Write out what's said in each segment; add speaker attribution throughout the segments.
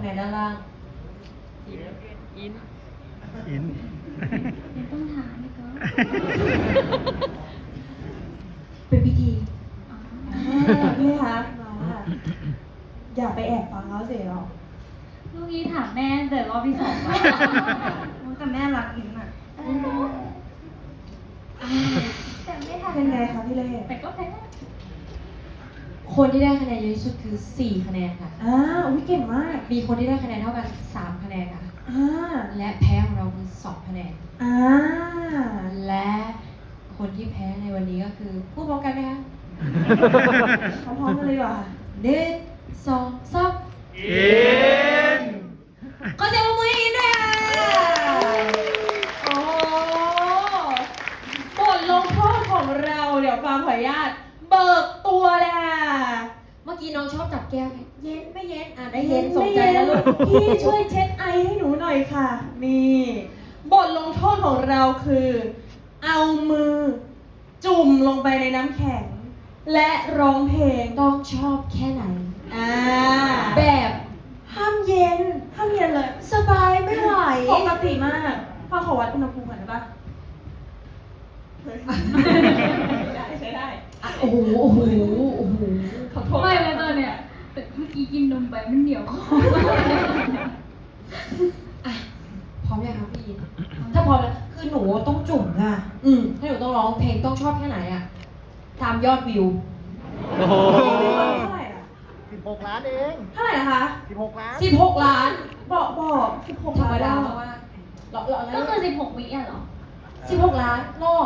Speaker 1: แนนด้านล่าง
Speaker 2: อิน
Speaker 3: ไม่ต้องถามเลยก็
Speaker 1: เป็นพิธี
Speaker 4: พี่คะมาอย่าไปแอบฟังเขาเสียหรอก
Speaker 3: ลูกนี้ถามแม่แต่รอบที่สองแล้ว
Speaker 4: แต่แม่รักอินอ่ะ
Speaker 3: แต่ไม่ทัน
Speaker 4: เป็นไงคะพี่เล่
Speaker 3: แต่ก็แพ้
Speaker 1: คนที่ได้คะแนนเยอะที่สุดคือ4คะแนนค่ะ
Speaker 4: อุ้ยเก่งมาก
Speaker 1: มีคนที่ได้คะแนนเท่ากัน3คะแนนค่ะ และแพ้ของเราคือ2คะแนน และคนที่แพ้ในวันนี้ก็คือพูดพร้อมกันไหมคะ
Speaker 4: พร้อมๆกันเลยดีกว่า
Speaker 1: 1 2 3
Speaker 2: อิน
Speaker 1: ขอเสียงปรบมือให้อินด้วยค่ะโอ้บทลงโทษของเราเดี๋ยวฟังขออนุญาตเบิกตัวเลยค่ะเมื่อกี้น้องชอบจับแก้วไงเย็นไม่เย็นได้เย็นสมใจแล้วลูก
Speaker 4: พี่ช่วยเช็ดไอให้หนูหน่อยค่ะ นี่บทลงโทษของเราคือ เอามือ จุ่มลงไปในน้ำแข็ง และร้องเพลง
Speaker 1: ต้องชอบแค่ไหน แบบ
Speaker 4: ห้ามเย็นเลย
Speaker 1: สบายไม่ไหว
Speaker 4: ปกติมากพ่อขอวัดอุณหภูมิก่อนได้ปะใช้ได้
Speaker 1: โอ้โหโอ้โหโอ้โห
Speaker 4: ขอโทษ
Speaker 3: ไม่เลยตอนเนี้ยแต่เมื่อกี้กินนมไปมันเหนียวคอ
Speaker 1: อ่ะพร้อมยังครับพี่อินถ้าพร้อมแล้วคือหนูต้องจุ่มค่ะถ้าหนูต้องร้องเพลงต้องชอบแค่ไหนอะตามยอดวิว
Speaker 2: โอ้โห
Speaker 4: เท่าไหร่อะ
Speaker 2: 16 ล้านเอง
Speaker 4: เท่าไหร่นะคะ
Speaker 2: 16 ล้าน
Speaker 1: 16 ล้าน
Speaker 4: บอก16
Speaker 1: ธรรมดา
Speaker 4: ล้น
Speaker 1: เพราะว่าเราอะไร
Speaker 3: ก็คือ16 วิอ่ะเหรอ
Speaker 1: 16 ล้านรอบ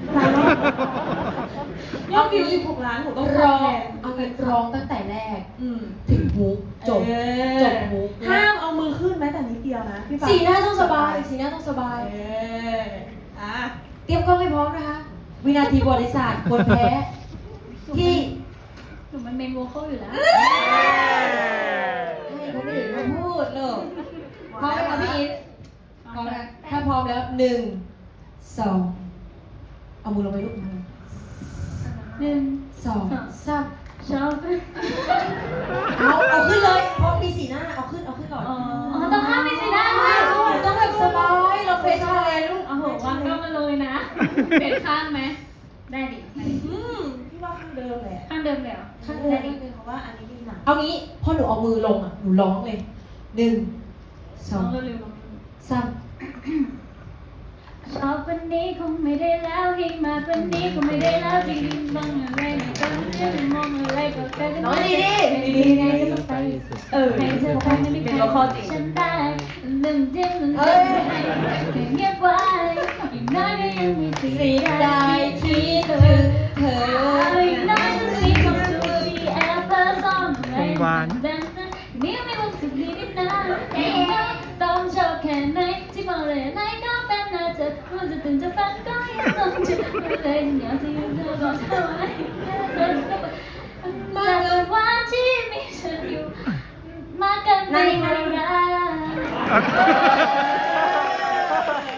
Speaker 4: ยอดวิว16 ล้านหนูต้อง
Speaker 1: ร้อง
Speaker 4: แทน
Speaker 1: เอาเงินร้องตั้งแต่แรกถึงฮุกจบจบฮุก
Speaker 4: ห้ามเอามือขึ้นแม้แต่นิดเดียวนะพี่ฟ้า
Speaker 1: สีหน้าต้องสบายสีหน้าต้องสบาย
Speaker 4: อ่ะ
Speaker 1: เตรียมกล้องให้พร้อมนะคะ วินาทีประวัติศาสตร์คนแพ้ที่
Speaker 3: หนูมันเมนโวคอลอยู่แล้ว
Speaker 1: ให้คนอื่นมาพูดเลยพร้อมไหมคะพี่อินพร้อมนะถ้าพร้อมแล้ว1 2เอามือลงไปลูกมือ
Speaker 3: 1
Speaker 1: 2 3
Speaker 3: ชอบ
Speaker 1: เอาขึ้นเลยเพราะมีสีหน้าเอาขึ้นก่อน
Speaker 3: อ๋อต้องห้ามมีสีหน้าด้วย
Speaker 1: ต้องแบบสบายเราเฟซชาเลนจ์ลูก
Speaker 3: โอ้โหวางก็มาเลยนะ เปลี่ยนข้างไหม ได้ดิ
Speaker 4: พี่ว่าข้างเดิมแหละ
Speaker 3: ข้างเดิมเลยเหรอ
Speaker 1: ข้างเดิม
Speaker 4: เพราะว่าอันนี้มีหนัง
Speaker 1: เอางี้พอหนูเอามือลงอ่ะหนูร้องเลย1
Speaker 3: ลอง
Speaker 1: 2
Speaker 3: เร็ว
Speaker 1: 3
Speaker 3: ชอบวันนี้คงไม่ได้แล้วยิ่งมาวันนี้คงไม่ได้แล้วจริงๆมองอะไรไม่ต้องเชื่อมองอะไรก็แค่จะไม่ได้ดีไงก็ต้องไปให้เธอไปไม่มีใครฉันได้ลืมจิ้มลืมจิ้มให้เงียบไว้อีกน้อยก็ยังมีสิ่ง
Speaker 1: สี
Speaker 3: ใด
Speaker 1: ได้คิดถึงเธอ
Speaker 3: อีกน้อยก็มีความสุขที่แอบเปิดซ่อนไว้ดังนั้นนี่มีความสุขดีนิดนะต้องชอบแค่ไหนที่มองเลยไหนก็เป็นน่าจะมันจะตื่นจะฝันก็ยังต้องจุดเลยอยากที่ยืนเธอบอกเธอไว้เธอจะมาเกินวันที่มีฉันอยู่มาเกินในเวลา